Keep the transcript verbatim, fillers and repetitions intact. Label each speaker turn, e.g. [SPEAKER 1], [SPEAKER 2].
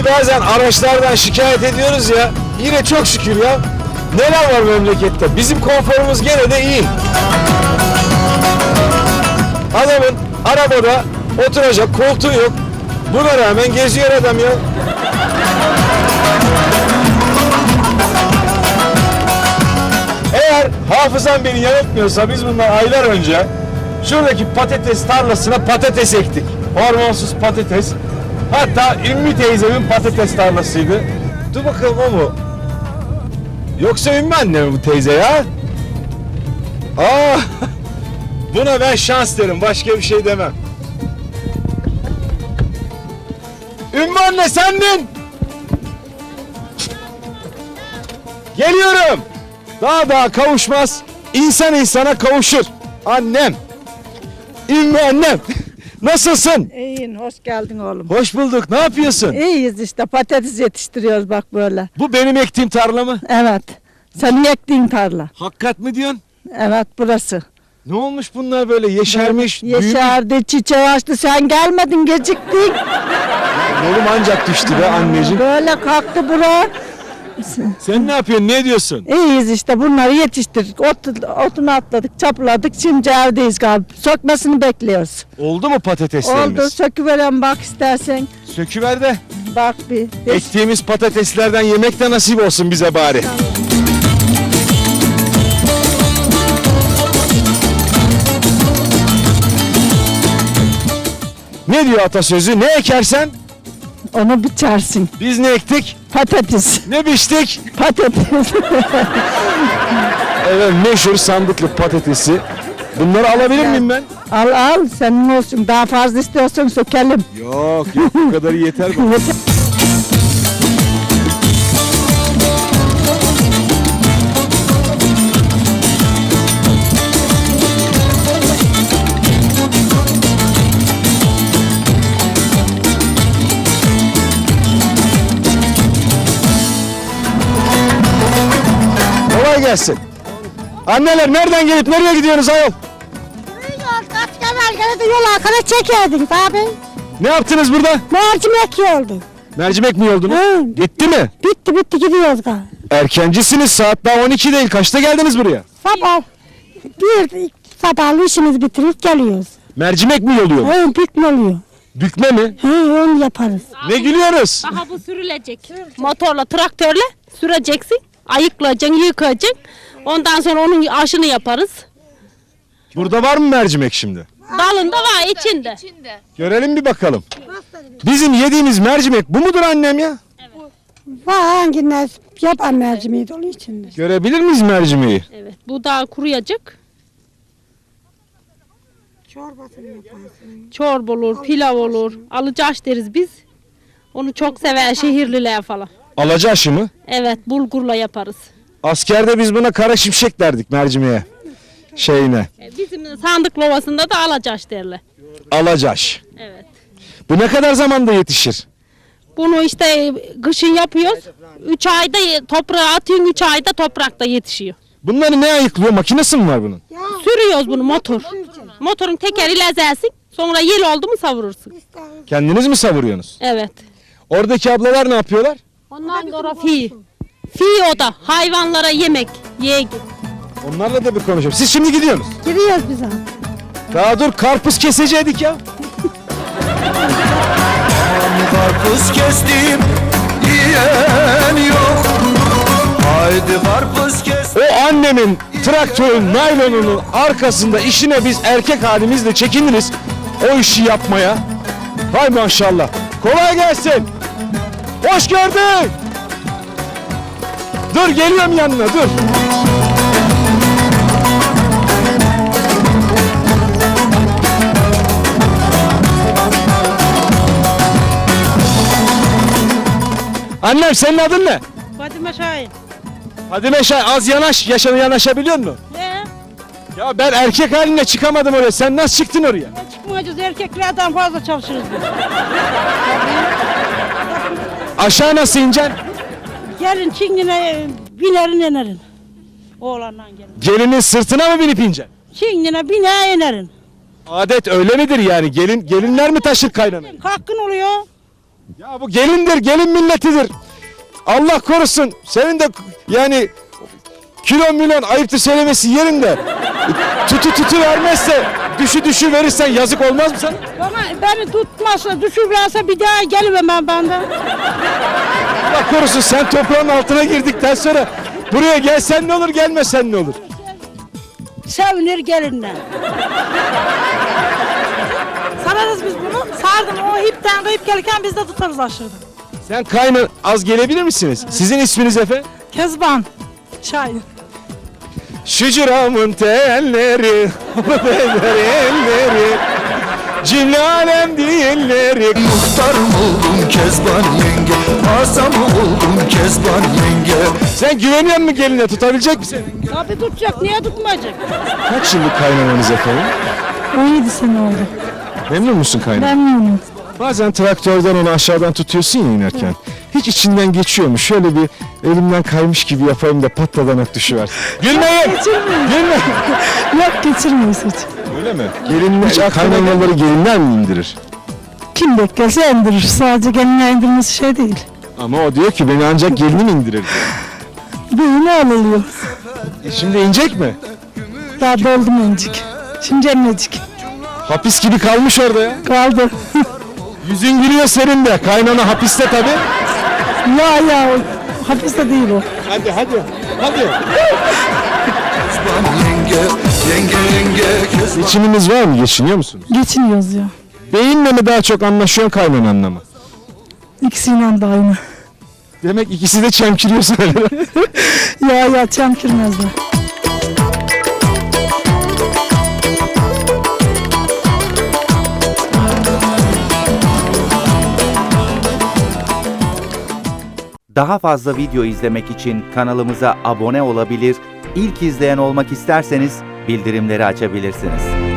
[SPEAKER 1] Ya bazen araçlardan şikayet ediyoruz ya. Yine çok şükür ya. Neler var memlekette? Bizim konforumuz gene de iyi. Adamın arabada oturacak koltuğu yok. Buna rağmen geziyor adam ya. Eğer hafızam beni yanıltmıyorsa biz bundan aylar önce şuradaki patates tarlasına patates ektik. Hormonsuz patates. Hatta Ümmü teyzemin patates tarlasıydı. Dur bakalım o mu? Yoksa Ümmü anne mi bu teyze ya? Aa, buna ben şans derim. Başka bir şey demem. Ümmü anne sendin. Geliyorum. Daha daha kavuşmaz. İnsan insana kavuşur. Annem. Ümmü annem. Nasılsın?
[SPEAKER 2] İyiyim, hoş geldin oğlum.
[SPEAKER 1] Hoş bulduk. Ne yapıyorsun?
[SPEAKER 2] İyiyiz işte, patates yetiştiriyoruz bak böyle.
[SPEAKER 1] Bu benim ektiğim tarla mı?
[SPEAKER 2] Evet, senin ektiğin tarla.
[SPEAKER 1] Hakikat mi diyorsun?
[SPEAKER 2] Evet, burası.
[SPEAKER 1] Ne olmuş bunlar böyle yeşermiş? büyümüş?
[SPEAKER 2] Yeşerdi, çiçeği açtı, sen gelmedin, geciktin.
[SPEAKER 1] Yolum ancak düştü be anneciğim.
[SPEAKER 2] Böyle kalktı bura.
[SPEAKER 1] Sen ne yapıyorsun? Ne diyorsun?
[SPEAKER 2] İyiyiz işte, bunları yetiştirdik. Ot, otunu atladık, çapladık, şimdi evdeyiz galiba. Sökmesini bekliyoruz.
[SPEAKER 1] Oldu mu patateslerimiz?
[SPEAKER 2] Oldu, söküveren bak istersen.
[SPEAKER 1] Söküver de.
[SPEAKER 2] Bak bir. Beş...
[SPEAKER 1] Ektiğimiz patateslerden yemek de nasip olsun bize bari. Ne diyor atasözü? Ne ekersen
[SPEAKER 2] Onu biçersin.
[SPEAKER 1] biz ne ektik?
[SPEAKER 2] Patates.
[SPEAKER 1] Ne biçtik?
[SPEAKER 2] Patates.
[SPEAKER 1] Evet, meşhur sandıklı patatesi. Bunları alabilir miyim ben?
[SPEAKER 2] Al al, senin olsun. Daha fazla istiyorsan sökelim.
[SPEAKER 1] Yok yok, bu kadarı yeter bana. Kolay gelsin. Anneler nereden gelip nereye gidiyorsunuz ayol?
[SPEAKER 3] Yol kaç kadar geldi yol arkada çekerdin abi.
[SPEAKER 1] Ne yaptınız burada?
[SPEAKER 3] Mercimek yoldu.
[SPEAKER 1] Mercimek mi yoldunuz?
[SPEAKER 3] Hı.
[SPEAKER 1] Bitti mi?
[SPEAKER 3] Bitti bitti gidiyoruz galiba.
[SPEAKER 1] Erkencisiniz, saat daha on iki değil. Kaçta geldiniz buraya?
[SPEAKER 3] Sabah bir sabahlı işimizi bitirip geliyoruz.
[SPEAKER 1] Mercimek mi yoluyor?
[SPEAKER 3] Hı, bükme oluyor.
[SPEAKER 1] Bükme mi?
[SPEAKER 3] Hı, onu yaparız.
[SPEAKER 1] Ne gülüyoruz?
[SPEAKER 4] Aha bu sürülecek. Motorla, traktörle süreceksin. Ayıklayacaksın, yıkayacaksın. Ondan sonra onun aşını yaparız.
[SPEAKER 1] Burada var mı mercimek şimdi?
[SPEAKER 4] Dalında var içinde.
[SPEAKER 1] Görelim bir bakalım. Bizim yediğimiz mercimek bu mudur annem ya?
[SPEAKER 3] Var hangiler yapan mercimeği dolu içinde.
[SPEAKER 1] Görebilir miyiz mercimeği?
[SPEAKER 4] Evet. Bu daha kuruyacak.
[SPEAKER 3] Çorbasını yaparsın.
[SPEAKER 4] Çorba olur, pilav olur. Alıcaş deriz biz. Onu çok sever şehirliler falan.
[SPEAKER 1] Alaca aşı mı?
[SPEAKER 4] Evet, bulgurla yaparız.
[SPEAKER 1] Askerde biz buna kara şimşek derdik mercimeğe. Şeyine.
[SPEAKER 4] E, Bizim sandık lovasında da alacaş derler.
[SPEAKER 1] Alacaş.
[SPEAKER 4] Evet.
[SPEAKER 1] Bu ne kadar zamanda yetişir?
[SPEAKER 4] Bunu işte kışın yapıyoruz. Üç ayda toprağa atıyorsun, üç ayda toprakta yetişiyor.
[SPEAKER 1] Bunları ne ayıklıyor? Makinesi mi var bunun?
[SPEAKER 4] Sürüyoruz bunu motor. Motorun tekeriyle ezersin. Sonra yel oldu mu savurursun.
[SPEAKER 1] Kendiniz mi savuruyorsunuz?
[SPEAKER 4] Evet.
[SPEAKER 1] Oradaki ablalar ne yapıyorlar?
[SPEAKER 4] Ondan sonra fi. Fi o da hayvanlara yemek. Ye.
[SPEAKER 1] Onlarla da bir konuşalım. Siz şimdi gidiyorsunuz.
[SPEAKER 3] Giriyoruz biz abi.
[SPEAKER 1] Daha dur, karpuz keseceydik ya.
[SPEAKER 5] Karpuz kestim yiyen yok. Haydi karpuz kes.
[SPEAKER 1] O annemin traktörün naylonunun arkasında işine biz erkek halimizle çekiniriz. O işi yapmaya. Hay maşallah. Kolay gelsin. Hoş gördük. Dur geliyorum yanına dur. Annem senin adın ne?
[SPEAKER 2] Fadime Şahin.
[SPEAKER 1] Fadime Şahin, az yanaş, yaşana yanaşabiliyor musun?
[SPEAKER 2] Ne?
[SPEAKER 1] Ya ben erkek haline çıkamadım oraya. Sen nasıl çıktın oraya?
[SPEAKER 2] Çıkmayacağız, erkeklerden fazla çalışırız biz.
[SPEAKER 1] Aşağı nasıl ineceksin?
[SPEAKER 2] Gelin Çingene binerin inerin. Oğlandan gelin.
[SPEAKER 1] Gelinin sırtına mı binip ineceksin?
[SPEAKER 2] Çingene bine inerin.
[SPEAKER 1] Adet öyle midir yani? Gelin gelinler mi taşır kaynanayı?
[SPEAKER 2] Hakkın oluyor.
[SPEAKER 1] Ya bu gelindir, gelin milletidir. Allah korusun. Senin de yani kilo milyon ayıptır söylemesi yerinde. Tutu tutu vermezse düşü düşü verirsen yazık olmaz mı sana?
[SPEAKER 2] Bana beni tutmazsa düşürürse bir daha gelemem benden.
[SPEAKER 1] Allah korusun sen toprağın altına girdikten sonra buraya gelsen ne olur gelmesen ne olur?
[SPEAKER 2] Sevinir gelinle.
[SPEAKER 3] Sararız biz bunu. Sardım o ipten kayıp gelirken biz de tutarız aşağıda.
[SPEAKER 1] Sen kaynar az gelebilir misiniz? Sizin isminiz efendim?
[SPEAKER 3] Kezban. Şahin.
[SPEAKER 1] Şucuramın telleri, elleri, cimri alem dilleri.
[SPEAKER 5] Muhtar mı oldun Kezban yenge, asa mı oldun Kezban yenge?
[SPEAKER 1] Sen güveniyor musun geline, tutabilecek misin?
[SPEAKER 2] Tabii tutacak, niye tutmayacak?
[SPEAKER 1] Kaç yıllık kaynananız efendim?
[SPEAKER 2] on yedi sene oldu.
[SPEAKER 1] Memnun musun kaynan?
[SPEAKER 2] Memnunum.
[SPEAKER 1] Bazen traktörden onu aşağıdan tutuyorsun ya inerken. Hiç içinden geçiyor mu? Şöyle bir elimden kaymış gibi yapayım da patladanak düşüversin. Gülmeyin!
[SPEAKER 2] Geçirmeyiz.
[SPEAKER 1] Gülme!
[SPEAKER 2] Yok geçirmeyiz hiç.
[SPEAKER 1] Öyle mi? Gelinler, kaynanaları gelinler mi indirir?
[SPEAKER 2] Kim beklerse indirir. Sadece gelinle indirmesi şey değil.
[SPEAKER 1] Ama o diyor ki beni ancak gelinim indirir diyor.
[SPEAKER 2] Düğünü alınıyor.
[SPEAKER 1] E şimdi inecek mi?
[SPEAKER 2] Daha doldu mencik. Şimdi emmecik.
[SPEAKER 1] Hapis gibi kalmış orada ya.
[SPEAKER 2] Kaldı.
[SPEAKER 1] Yüzün gülüyor senin de. Kaynana hapiste tabii.
[SPEAKER 2] ya ya hapiste değil o.
[SPEAKER 1] Hadi hadi. Hadi.
[SPEAKER 5] Kezban yenge, yenge yenge Kezban.
[SPEAKER 1] Geçiminiz var mı? Geçiniyor musunuz?
[SPEAKER 2] Geçiniyoruz ya.
[SPEAKER 1] Beyinle mi daha çok anlaşıyorsun kaynananla mı?
[SPEAKER 2] İkisiyle de aynı.
[SPEAKER 1] Demek ikisi de çemkiriyor sana.
[SPEAKER 2] ya ya çemkirmezler.
[SPEAKER 6] Daha fazla video izlemek için kanalımıza abone olabilir, ilk izleyen olmak isterseniz bildirimleri açabilirsiniz.